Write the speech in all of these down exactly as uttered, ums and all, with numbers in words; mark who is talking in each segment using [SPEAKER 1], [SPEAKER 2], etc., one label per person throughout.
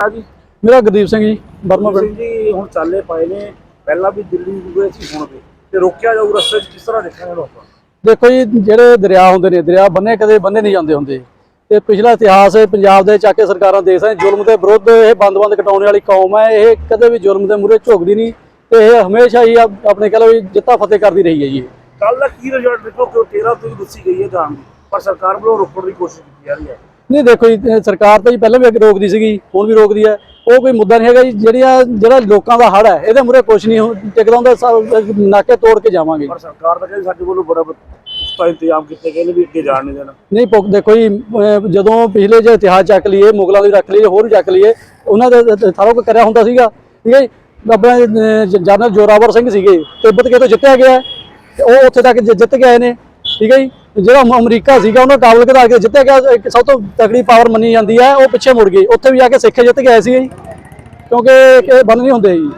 [SPEAKER 1] जी
[SPEAKER 2] मेरा गुरदीप सिंह जी बर्मा
[SPEAKER 1] सिंह जी हुण चाले पाए ने पहला भी दिल्ली गए सी हुण भी ते रोकिया जाऊ रस्ते च किस तरह देखेंगे लोग।
[SPEAKER 2] देखो जी ਜਿਹੜੇ ਦਰਿਆ ਹੁੰਦੇ ਨੇ ਦਰਿਆ ਬੰਨੇ ਕਦੇ ਬੰਨੇ ਨਹੀਂ ਜਾਂਦੇ ਹੁੰਦੇ ਤੇ ਪਿਛਲਾ ਇਤਿਹਾਸ ਪੰਜਾਬ ਦੇ ਚਾਕੇ ਸਰਕਾਰਾਂ ਦੇਸ਼ ਹੈ ਜ਼ੁਲਮ ਦੇ ਵਿਰੁੱਧ ਇਹ ਬੰਦ-ਬੰਦ ਕਟਾਉਣ ਵਾਲੀ ਕੌਮ ਹੈ। ਇਹ ਕਦੇ ਵੀ ਜ਼ੁਲਮ ਦੇ ਮੂਹਰੇ ਝੁਕਦੀ ਨਹੀਂ ਤੇ ਇਹ ਹਮੇਸ਼ਾ ਹੀ ਆਪਣੇ ਕਹ ਲਓ ਜਿੱਤਾ ਫਤਿਹ ਕਰਦੀ ਰਹੀ ਹੈ ਜੀ। ਕੱਲ
[SPEAKER 1] ਦਾ ਕੀ ਰਿਜ਼ਲਟ ਦੇਖੋ ਕਿ तेरह ਤੋਂ ਦੱਸੀ ਗਈ ਹੈ ਜਾਣ ਦੀ ਪਰ ਸਰਕਾਰ ਵੱਲੋਂ ਰੋਕਣ ਦੀ ਕੋਸ਼ਿਸ਼ ਕੀਤੀ ਜਾ ਰਹੀ ਹੈ।
[SPEAKER 2] नहीं देखो जी सरकार तो जी पहले भी रोकती सी हुण भी रोकती है वो कोई मुद्दा नहीं है जी। ਜਿਹੜੀਆਂ ਜਿਹੜਾ ਲੋਕਾਂ ਦਾ ਹੜ ਹੈ ਇਹਦੇ ਮੂਹਰੇ ਕੁਝ ਨਹੀਂ ਟਿਕਦਾ ਹੁੰਦਾ ਨਾਕੇ ਤੋੜ ਕੇ ਜਾਵਾਂਗੇ।
[SPEAKER 1] ਪਰ ਸਰਕਾਰ ਤਾਂ ਕਹਿੰਦੀ ਸਾਡੇ ਵੱਲੋਂ ਬੜਾ ਪੁਖਤਾ ਇੰਤਜ਼ਾਮ ਕੀਤੇ ਗਏ ਨੇ ਵੀ ਅੱਗੇ ਜਾਣ ਨਹੀਂ ਦੇਣਾ।
[SPEAKER 2] ਨਹੀਂ ਪੁੱਖ ਦੇਖੋ ਜੀ ਜਦੋਂ ਪਿਛਲੇ ਜੇ ਇਤਿਹਾਸ ਚੱਕ ਲਈਏ ਮੁਗਲਾਂ ਦੀ ਰੱਖ ਲਈਏ ਹੋਰ ਵੀ ਚੱਕ ਲਈਏ ਉਹਨਾਂ ਦੇ ਸਾਰਾ ਕੁਝ ਕਰਿਆ ਹੁੰਦਾ ਸੀਗਾ ਠੀਕ ਹੈ ਜੀ। ਆਪਣੇ ਜਨਰਲ ਜੋਰਾਵਰ ਸਿੰਘ ਸੀਗੇ ਤਿੱਬਤ ਕਿਤੋਂ ਜਿੱਤਿਆ ਗਿਆ ਉਹ ਉੱਥੇ ਤੱਕ ਜਿੱਤ ਕੇ ਆਏ ਨੇ ਠੀਕ ਹੈ ਜੀ। ਜਿਹੜਾ ਅਮਰੀਕਾ ਸੀਗਾ ਉਹਨੂੰ ਕਾਬਲ ਘਟਾ ਕੇ ਜਿੱਤਿਆ ਗਿਆ ਇੱਕ ਸਭ ਤੋਂ ਤਕੜੀ ਪਾਵਰ ਮੰਨੀ ਜਾਂਦੀ ਹੈ ਉਹ ਪਿੱਛੇ ਮੁੜ ਗਈ ਉੱਥੇ ਵੀ ਜਾ ਕੇ ਸਿੱਖ ਜਿੱਤ ਕੇ ਆਏ ਸੀ ਜੀ ਕਿਉਂਕਿ ਇਹ ਬੰਦ ਨਹੀਂ ਹੁੰਦੇ ਜੀ।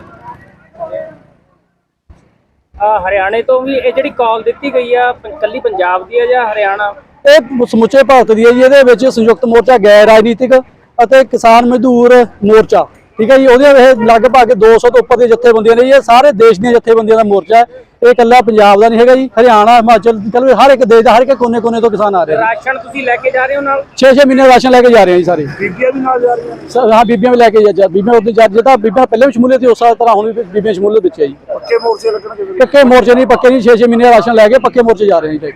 [SPEAKER 3] ਹਰਿਆਣੇ ਤੋਂ ਵੀ ਇਹ ਜਿਹੜੀ ਕਾਲ ਦਿੱਤੀ ਗਈ ਆ ਕੱਲੀ ਪੰਜਾਬ ਦੀ ਹੈ ਜਾਂ ਹਰਿਆਣਾ?
[SPEAKER 2] ਇਹ ਸਮੁੱਚੇ ਭਾਰਤ ਦੀ ਹੈ ਜੀ। ਇਹਦੇ ਵਿੱਚ ਸੰਯੁਕਤ ਮੋਰਚਾ ਗੈਰ ਰਾਜਨੀਤਿਕ ਅਤੇ ਕਿਸਾਨ ਮਜ਼ਦੂਰ ਮੋਰਚਾ ਠੀਕ ਹੈ ਜੀ ਉਹਦੇ ਇਹ ਲਗਭਗ ਦੋ ਸੌ ਤੋਂ ਉੱਪਰ ਦੀਆਂ ਜਥੇਬੰਦੀਆਂ ਨੇ। ਇਹ ਸਾਰੇ ਦੇਸ਼ ਦੀਆਂ ਜਥੇਬੰਦੀਆਂ ਦਾ ਮੋਰਚਾ ਹੈ। ਇਹ ਇਕੱਲਾ ਪੰਜਾਬ ਦਾ ਨਹੀਂ ਹੈਗਾ ਜੀ। ਹਰਿਆਣਾ ਹਿਮਾਚਲ ਚਲ ਹਰ ਇੱਕ ਦੇਸ਼ ਦਾ ਹਰ ਇੱਕ ਕੋਨੇ ਕੋਨੇ ਤੋਂ ਕਿਸਾਨ ਆ ਰਹੇ ਨੇ।
[SPEAKER 3] ਰਾਸ਼ਨ ਤੁਸੀਂ ਲੈ ਕੇ ਜਾ ਰਹੇ ਹੋ ਨਾਲ?
[SPEAKER 2] ਛੇ ਛੇ ਮਹੀਨੇ ਰਾਸ਼ਨ ਲੈ ਕੇ ਜਾ ਰਹੇ ਹਾਂ ਜੀ ਸਾਰੇ।
[SPEAKER 1] ਬੀਬੀਆਂ ਵੀ ਨਾਲ ਜਾ ਰਹੀਆਂ ਨੇ?
[SPEAKER 2] ਹਾਂ ਬੀਬੀਆਂ ਵੀ ਲੈ ਕੇ ਜਾ ਬੀਬੀਆਂ ਉੱਤੇ ਜਾ ਜਿੱਦਾਂ ਬੀਬੀਆਂ ਪਹਿਲੇ ਵੀ ਸ਼ਮੂਲੀਅਤ ਸੀ ਉਸ ਤਰ੍ਹਾਂ ਹੁਣ ਵੀ ਬੀਬੀਆਂ ਸ਼ਮੂਲੀਅਤ ਵਿੱਚ ਹੈ ਜੀ।
[SPEAKER 1] ਪੱਕੇ ਮੋਰਚੇ ਲੱਗਣਗੇ?
[SPEAKER 2] ਪੱਕੇ ਮੋਰਚੇ ਨਹੀਂ ਪੱਕੇ ਨਹੀਂ ਛੇ ਛੇ ਮਹੀਨੇ ਰਾਸ਼ਨ ਲੈ ਕੇ ਪੱਕੇ ਮੋਰਚੇ ਜਾ ਰਹੇ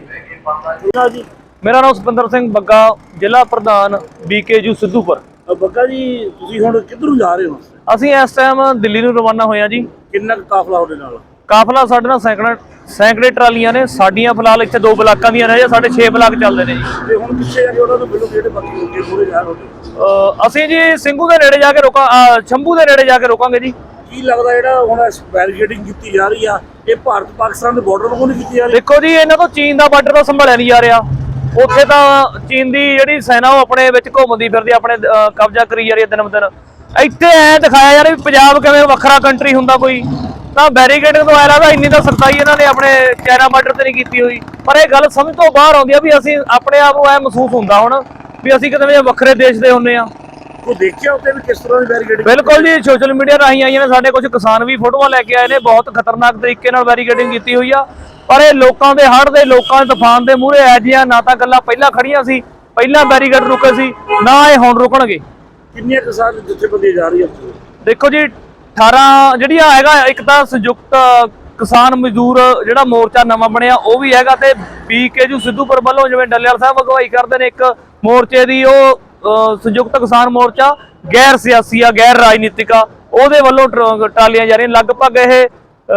[SPEAKER 2] ਹਾਂ ਜੀ।
[SPEAKER 4] ਮੇਰਾ ਨਾਮ ਸੁਪਿੰਦਰ ਸਿੰਘ ਬੱਗਾ ਜ਼ਿਲ੍ਹਾ ਪ੍ਰਧਾਨ ਬੀਕੇਯੂ ਸਿੱਧੂਪੁਰ।
[SPEAKER 1] ਬੱਗਾ ਜੀ ਤੁਸੀਂ ਹੁਣ ਕਿੱਧਰ ਨੂੰ ਜਾ ਰਹੇ ਹੋ?
[SPEAKER 4] ਅਸੀਂ ਇਸ ਟਾਈਮ ਦਿੱਲੀ ਨੂੰ ਰਵਾਨਾ ਹੋਏ ਹਾਂ ਜੀ।
[SPEAKER 1] ਕਿੰਨਾ ਕਾਫਲਾ ਤੁਹਾਡੇ ਨਾਲ?
[SPEAKER 4] ਕਾਫਲਾ ਸਾਡੇ ਨਾਲ ਸੈਂਕੜੇ ਸੈਂਕੜੇ ਟਰਾਲੀਆਂ ਨੇ ਸਾਡੀਆਂ ਫਿਲਹਾਲ ਇੱਥੇ ਦੋ ਬਲਾਕਾਂ ਦੀਆਂ ਨੇ ਸਾਡੇ ਛੇ ਬਲਾਕ ਚੱਲਦੇ ਨੇ ਜੀ।
[SPEAKER 1] ਤੇ ਹੁਣ ਪਿੱਛੇ ਜਾ ਕੇ ਉਹਨਾਂ ਨੂੰ ਮਿਲੋ ਜਿਹੜੇ ਬਾਕੀ ਲੋਕੀ ਪੂਰੇ ਜਾ ਰਹੇ
[SPEAKER 4] ਅਸੀਂ ਜੀ ਸਿੰਘੂ ਦੇ ਨੇੜੇ ਜਾ ਕੇ ਰੋਕਾਂ ਸ਼ੰਭੂ ਦੇ ਨੇੜੇ ਜਾ ਕੇ ਰੋਕਾਂਗੇ ਜੀ।
[SPEAKER 1] ਕੀ ਲੱਗਦਾ ਜਿਹੜਾ ਹੁਣ ਬੈਰੀਕੇਡਿੰਗ ਕੀਤੀ ਜਾ ਰਹੀ ਆ ਇਹ ਭਾਰਤ ਪਾਕਿਸਤਾਨ ਦੇ ਬਾਰਡਰ ਨੂੰ ਨਹੀਂ ਕੀਤੀ ਜਾ ਰਹੀ?
[SPEAKER 4] ਦੇਖੋ ਜੀ ਇਹਨਾਂ ਤੋਂ ਚੀਨ ਦਾ ਬਾਰਡਰ ਤਾਂ ਸੰਭਾਲਿਆ ਨਹੀਂ ਜਾ ਰਿਹਾ। ਉੱਥੇ ਤਾਂ ਚੀਨ ਦੀ ਜਿਹੜੀ ਸੈਨਾ ਉਹ ਆਪਣੇ ਵਿੱਚ ਘੁੰਮਦੀ ਫਿਰਦੀ ਆਪਣੇ ਕਬਜ਼ਾ ਕਰੀ ਜਾ ਰਹੀ ਹੈ ਦਿਨ ਬ ਦਿਨ। ਇੱਥੇ ਐ ਦਿਖਾਇਆ ਯਾਰ ਵੀ ਪੰਜਾਬ ਕਿਵੇਂ ਵੱਖਰਾ ਕੰਟਰੀ ਹੁੰਦਾ ਕੋਈ ਤਾਂ ਬੈਰੀਕੇਡਿੰਗ ਤੋਂ ਆਇਆ ਲੱਗਦਾ ਇੰਨੀ ਤਾਂ ਸਖਤਾਈ ਇਹਨਾਂ ਨੇ ਆਪਣੇ ਚਾਈਨਾ ਬਾਰਡਰ ਤੇ ਨਹੀਂ ਕੀਤੀ ਹੋਈ। ਪਰ ਇਹ ਗੱਲ ਸਮਝ ਤੋਂ ਬਾਹਰ ਆਉਂਦੀ ਆ ਵੀ ਅਸੀਂ ਆਪਣੇ ਆਪ ਨੂੰ ਐ ਮਹਿਸੂਸ ਹੁੰਦਾ ਹੁਣ ਵੀ ਅਸੀਂ ਕਿਤੇ ਵੱਖਰੇ ਦੇਸ਼ ਦੇ ਹੁੰਦੇ ਆ।
[SPEAKER 1] ਉਹ ਦੇਖਿਆ ਉੱਤੇ ਵੀ ਕਿਸ ਤਰ੍ਹਾਂ ਦੀ ਬੈਰੀਕੇਡਿੰਗ?
[SPEAKER 4] ਬਿਲਕੁਲ ਜੀ ਸੋਸ਼ਲ ਮੀਡੀਆ ਰਾਹੀਂ ਆਈਆਂ ਨੇ। ਸਾਡੇ ਕੁਝ ਕਿਸਾਨ ਵੀ ਫੋਟੋਆਂ ਲੈ ਕੇ ਆਏ ਨੇ ਬਹੁਤ ਖਤਰਨਾਕ ਤਰੀਕੇ ਨਾਲ ਬੈਰੀਕੇਡਿੰਗ ਕੀਤੀ ਹੋਈ ਆ। ਪਰ ਇਹ ਲੋਕਾਂ ਦੇ ਹੜ੍ਹ ਦੇ ਲੋਕਾਂ ਦੇ ਤੂਫਾਨ ਦੇ ਮੂਹਰੇ ਐ ਜੀਆਂ ਨਾ ਤਾਂ ਗੱਲਾਂ ਪਹਿਲਾਂ ਖੜੀਆਂ ਸੀ ਪਹਿਲਾਂ ਬੈਰੀਕੇਡ ਰੁਕੇ ਸੀ ਨਾ ਇਹ ਹੁਣ ਰੁਕਣਗੇ।
[SPEAKER 1] ਕਿੰਨੀਆਂ ਕਿਸਾਨ ਜਥੇਬੰਦੀਆਂ ਜਾ ਰਹੀਆਂ?
[SPEAKER 4] ਦੇਖੋ ਜੀ ਅਠਾਰਾਂ ਜਿਹੜੀਆਂ ਹੈਗਾ ਇੱਕ ਤਾਂ ਸੰਯੁਕਤ ਕਿਸਾਨ ਮਜ਼ਦੂਰ ਜਿਹੜਾ ਮੋਰਚਾ ਨਵਾਂ ਬਣਿਆ ਉਹ ਵੀ ਹੈਗਾ ਤੇ ਬੀਕੇਯੂ ਸਿੱਧੂਪੁਰ ਵੱਲੋਂ ਜਿਵੇਂ ਡੱਲੇਵਾਲ ਸਾਹਿਬ ਅਗਵਾਈ ਕਰਦੇ ਨੇ ਇੱਕ ਮੋਰਚੇ ਦੀ ਉਹ ਸੰਯੁਕਤ ਕਿਸਾਨ ਮੋਰਚਾ ਗੈਰ ਸਿਆਸੀ ਆ ਗੈਰ ਰਾਜਨੀਤਿਕ ਆ ਉਹਦੇ ਵੱਲੋਂ ਟਰਾਲੀਆਂ ਜਾ ਰਹੀਆਂ। ਲਗਭਗ ਇਹ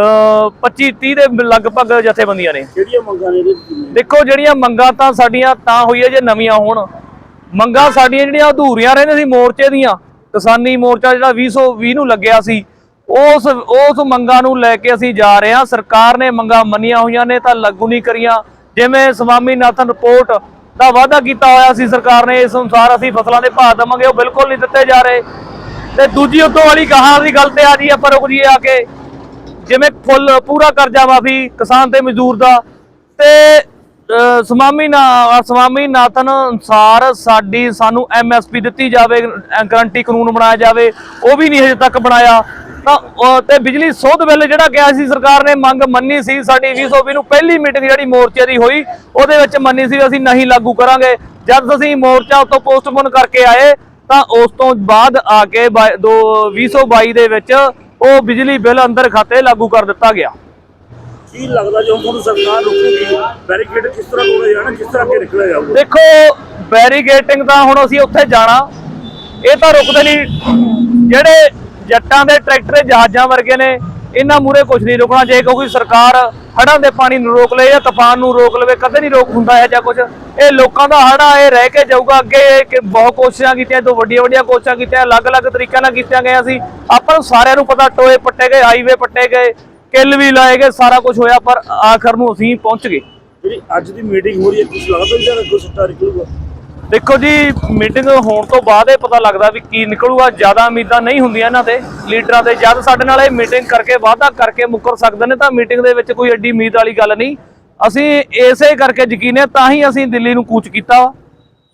[SPEAKER 4] ਪੱਚੀ ਤੀਹ ਦੇ ਲਗਭਗ ਜਥੇਬੰਦੀਆਂ ਨੇ।
[SPEAKER 1] ਕਿਹੜੀਆਂ ਮੰਗਾਂ ਨੇ?
[SPEAKER 4] ਦੇਖੋ ਜਿਹੜੀਆਂ ਮੰਗਾਂ ਤਾਂ ਸਾਡੀਆਂ ਤਾਂ ਹੋਈਆਂ ਜੇ ਨਵੀਆਂ ਹੋਣ। ਮੰਗਾਂ ਸਾਡੀਆਂ ਜਿਹੜੀਆਂ ਅਧੂਰੀਆਂ ਰਹਿੰਦੀਆਂ ਸੀ ਮੋਰਚੇ ਦੀਆਂ ਕਿਸਾਨੀ ਮੋਰਚਾ ਜਿਹੜਾ ਵੀਹ ਸੌ ਵੀਹ ਨੂੰ ਲੱਗਿਆ ਸੀ ਉਸ ਉਸ ਮੰਗਾਂ ਨੂੰ ਲੈ ਕੇ ਅਸੀਂ ਜਾ ਰਹੇ ਹਾਂ। ਸਰਕਾਰ ਨੇ ਮੰਗਾਂ ਮੰਨੀਆਂ ਹੋਈਆਂ ਨੇ ਤਾਂ ਲਾਗੂ ਨਹੀਂ ਕਰੀਆਂ। ਜਿਵੇਂ ਸਵਾਮੀਨਾਥਨ ਰਿਪੋਰਟ ਦਾ ਵਾਅਦਾ ਕੀਤਾ ਹੋਇਆ ਸੀ ਸਰਕਾਰ ਨੇ ਇਸ ਅਨੁਸਾਰ ਅਸੀਂ ਫਸਲਾਂ ਦੇ ਭਾਅ ਦੇਵਾਂਗੇ ਉਹ ਬਿਲਕੁਲ ਨਹੀਂ ਦਿੱਤੇ ਜਾ ਰਹੇ। ਤੇ ਦੂਜੀ ਉਦੋਂ ਵਾਲੀ ਗਾਹਾਂ ਦੀ ਗੱਲ ਤੇ ਆ ਜੀ ਆਪਾਂ ਰੁਕ ਜੀਏ ਆ ਕੇ ਜਿਵੇਂ ਫੁੱਲ ਪੂਰਾ ਕਰਜ਼ਾ ਮਾਫੀ ਕਿਸਾਨ ਤੇ ਮਜ਼ਦੂਰ ਦਾ ਤੇ ਸਵਾਮੀ ਨਾ ਸਵਾਮੀਨਾਥਨ ਅਨੁਸਾਰ ਸਾਡੀ ਸਾਨੂੰ ਐਮ ਐਸ ਪੀ ਦਿੱਤੀ ਜਾਵੇ ਗਰੰਟੀ ਕਾਨੂੰਨ ਬਣਾਇਆ ਜਾਵੇ ਉਹ ਵੀ ਨਹੀਂ ਹਜੇ ਤੱਕ ਬਣਾਇਆ। ਤਾਂ ਤੇ ਬਿਜਲੀ ਸੋਧ ਬਿੱਲ ਜਿਹੜਾ ਗਿਆ ਸੀ ਸਰਕਾਰ ਨੇ ਮੰਗ ਮੰਨੀ ਸੀ ਸਾਡੀ ਵੀਹ ਸੌ ਵੀਹ ਨੂੰ ਪਹਿਲੀ ਮੀਟਿੰਗ ਜਿਹੜੀ ਮੋਰਚੇ ਦੀ ਹੋਈ ਉਹਦੇ ਵਿੱਚ ਮੰਨੀ ਸੀ ਅਸੀਂ ਨਹੀਂ ਲਾਗੂ ਕਰਾਂਗੇ। ਜਦ ਅਸੀਂ ਮੋਰਚਾ ਉਤੋਂ ਪੋਸਟਪੋਨ ਕਰਕੇ ਆਏ ਤਾਂ ਉਸ ਤੋਂ ਬਾਅਦ ਆ ਕੇ ਦੋ ਵੀਹ ਸੌ ਬਾਈ ਦੇ ਵਿੱਚ ਉਹ ਬਿਜਲੀ ਬਿੱਲ ਅੰਦਰ ਖਾਤੇ ਲਾਗੂ ਕਰ ਦਿੱਤਾ ਗਿਆ।
[SPEAKER 1] ਕੀ ਲੱਗਦਾ ਜੇ ਹੁਣ ਸਰਕਾਰ ਰੁਕੇਗੀ ਬੈਰੀਕੇਡ ਕਿਸ ਤਰ੍ਹਾਂ ਤੋੜੇ ਜਾਣਾ ਕਿਸ ਤਰ੍ਹਾਂ ਅੱਗੇ ਨਿਕਲਿਆ ਜਾਊਗਾ?
[SPEAKER 4] ਦੇਖੋ ਬੈਰੀਕੇਡਿੰਗ ਤਾਂ ਹੁਣ ਅਸੀਂ ਉੱਥੇ ਜਾਣਾ ਇਹ ਤਾਂ ਰੁਕਦੇ ਨਹੀਂ। ਜਿਹੜੇ ਜੱਟਾਂ ਦੇ ਟਰੈਕਟਰ ਜਹਾਜ਼ਾਂ ਵਰਗੇ ਨੇ ਇਹਨਾਂ ਮੂਹਰੇ ਕੁਝ ਨਹੀਂ ਰੁਕਣਾ। ਜੇ ਕੋਈ ਸਰਕਾਰ ਹੜ੍ਹਾਂ ਦੇ ਪਾਣੀ ਨੂੰ ਰੋਕ ਲਏ ਜਾਂ ਤੂਫਾਨ ਨੂੰ ਰੋਕ ਲਵੇ ਕਦੇ ਨਹੀਂ ਰੋਕ ਹੁੰਦਾ ਹੈ ਜਾਂ ਕੁਝ। ਇਹ ਲੋਕਾਂ ਦਾ ਹੜ੍ਹ ਇਹ ਰਹਿ ਕੇ ਜਾਊਗਾ ਅੱਗੇ। ਬਹੁਤ ਕੋਸ਼ਿਸ਼ਾਂ ਕੀਤੀਆਂ ਤੋਂ ਵੱਡੀਆਂ ਵੱਡੀਆਂ ਕੋਸ਼ਿਸ਼ਾਂ ਕੀਤੀਆਂ ਅਲੱਗ-ਅਲੱਗ ਤਰੀਕਿਆਂ ਨਾਲ ਕੀਤੀਆਂ ਗਈਆਂ ਸੀ। ਆਪਾਂ ਨੂੰ ਸਾਰਿਆਂ ਨੂੰ ਪਤਾ ਟੋਏ ਪੱਟੇ ਗਏ ਹਾਈਵੇ ਪੱਟੇ ਗਏ ਕਿੱਲ ਵੀ ਲਾਏ ਗਏ ਸਾਰਾ ਕੁਝ ਹੋਇਆ ਪਰ ਆਖਰ ਨੂੰ ਅਸੀਂ ਪਹੁੰਚ ਗਏ।
[SPEAKER 1] ਜਿਹੜੀ ਅੱਜ ਦੀ ਮੀਟਿੰਗ ਹੋ ਰਹੀ ਹੈ ਕੁਝ ਲੱਗਦਾ ਵੀ ਜਾਂ ਕੁਝ ਸੱਟਾ ਨਿਕਲੂਗਾ?
[SPEAKER 4] ਦੇਖੋ ਜੀ ਮੀਟਿੰਗ ਹੋਣ ਤੋਂ ਬਾਅਦ ਇਹ ਪਤਾ ਲੱਗਦਾ ਵੀ ਕੀ ਨਿਕਲੂਗਾ। ਜ਼ਿਆਦਾ ਉਮੀਦਾਂ ਨਹੀਂ ਹੁੰਦੀਆਂ ਇਹਨਾਂ ਤੇ ਲੀਡਰਾਂ ਦੇ। ਜਦ ਸਾਡੇ ਨਾਲ ਇਹ ਮੀਟਿੰਗ ਕਰਕੇ ਵਾਅਦਾ ਕਰਕੇ ਮੁੱਕਰ ਸਕਦੇ ਨੇ ਤਾਂ ਮੀਟਿੰਗ ਦੇ ਵਿੱਚ ਕੋਈ ਐਡੀ ਉਮੀਦ ਵਾਲੀ ਗੱਲ ਨਹੀਂ। ਅਸੀਂ ਇਸੇ ਕਰਕੇ ਯਕੀਨ ਹੈ ਤਾਂ ਹੀ ਅਸੀਂ ਦਿੱਲੀ ਨੂੰ ਕੂਚ ਕੀਤਾ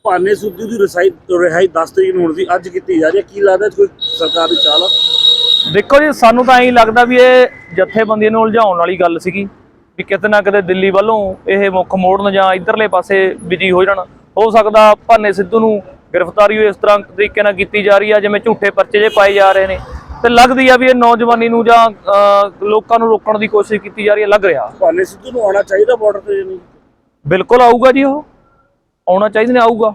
[SPEAKER 1] ਭਾਨੇ ਸਿੱਧੂ ਦੀ ਰਸਾਈ ਰਿਹਾਈ ਦਸ ਤਰੀਕ ਨੂੰ ਹੋਣੀ ਸੀ, ਅੱਜ ਕੀਤੀ ਜਾ ਰਹੀ ਹੈ। ਕੀ ਲੱਗਦਾ ਕੋਈ ਸਰਕਾਰ ਦੀ ਚਾਲ ਆ?
[SPEAKER 4] ਦੇਖੋ ਜੀ, ਸਾਨੂੰ ਤਾਂ ਐਂ ਲੱਗਦਾ ਵੀ ਇਹ ਜਥੇਬੰਦੀਆਂ ਨੂੰ ਉਲਝਾਉਣ ਵਾਲੀ ਗੱਲ ਸੀਗੀ ਵੀ ਕਿਤੇ ਨਾ ਕਿਤੇ ਦਿੱਲੀ ਵੱਲੋਂ ਇਹ ਮੁੱਖ ਮੋੜਨ ਜਾਂ ਇਧਰਲੇ ਪਾਸੇ ਬਿਜੀ ਹੋ ਜਾਣ। ਹੋ ਸਕਦਾ ਭਾਨੇ ਸਿੱਧੂ ਨੂੰ ਗ੍ਰਿਫਤਾਰੀ ਇਸ ਤਰ੍ਹਾਂ ਤਰੀਕੇ ਨਾਲ ਕੀਤੀ ਜਾ ਰਹੀ ਆ ਜਿਵੇਂ ਝੂਠੇ ਪਰਚੇ ਜੇ ਪਾਏ ਜਾ ਰਹੇ ਨੇ, ਤੇ ਲੱਗਦੀ ਆ ਵੀ ਇਹ ਨੌਜਵਾਨੀ ਨੂੰ ਜਾਂ ਲੋਕਾਂ ਨੂੰ ਰੋਕਣ ਦੀ ਕੋਸ਼ਿਸ਼ ਕੀਤੀ ਜਾ ਰਹੀ ਹੈ, ਲੱਗ ਰਿਹਾ।
[SPEAKER 1] ਭਾਨੇ ਸਿੱਧੂ ਨੂੰ ਆਉਣਾ ਚਾਹੀਦਾ ਬਾਰਡਰ ਤੇ ਜਾਂ ਨਹੀਂ?
[SPEAKER 4] ਬਿਲਕੁਲ ਆਊਗਾ ਜੀ, ਉਹ ਆਉਣਾ ਚਾਹੀਦਾ ਨੇ, ਆਊਗਾ।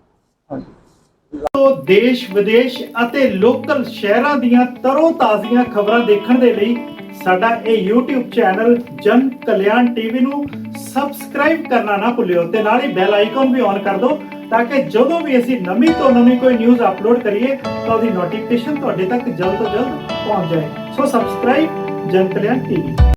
[SPEAKER 5] ਤੋਂ ਦੇਸ਼ ਵਿਦੇਸ਼ ਅਤੇ ਲੋਕਲ ਸ਼ਹਿਰਾਂ ਦੀਆਂ ਤਰੋ ਤਾਜ਼ੀਆਂ ਖਬਰਾਂ ਦੇਖਣ ਦੇ ਲਈ ਸਾਡਾ ਇਹ YouTube ਚੈਨਲ ਜਨ ਕਲਿਆਣ ਟੀਵੀ ਨੂੰ ਸਬਸਕ੍ਰਾਈਬ ਕਰਨਾ ਨਾ ਭੁੱਲਿਓ ਤੇ ਨਾਲ ਹੀ ਬੈਲ ਆਈਕਨ ਵੀ ਔਨ ਕਰ ਦਿਓ ਤਾਂ ਕਿ ਜਦੋਂ ਵੀ ਅਸੀਂ ਨਵੀਂ ਤੋਂ ਨਵੀਂ ਕੋਈ ਨਿਊਜ਼ ਅਪਲੋਡ ਕਰੀਏ ਤਾਂ ਉਹਦੀ ਨੋਟੀਫਿਕੇਸ਼ਨ ਤੁਹਾਡੇ ਤੱਕ ਜਲਦ ਤੋਂ ਜਲਦ ਪਹੁੰਚ ਜਾਏ। ਸੋ ਸਬਸਕ੍ਰਾਈਬ ਜਨ ਕਲਿਆਣ ਟੀਵੀ।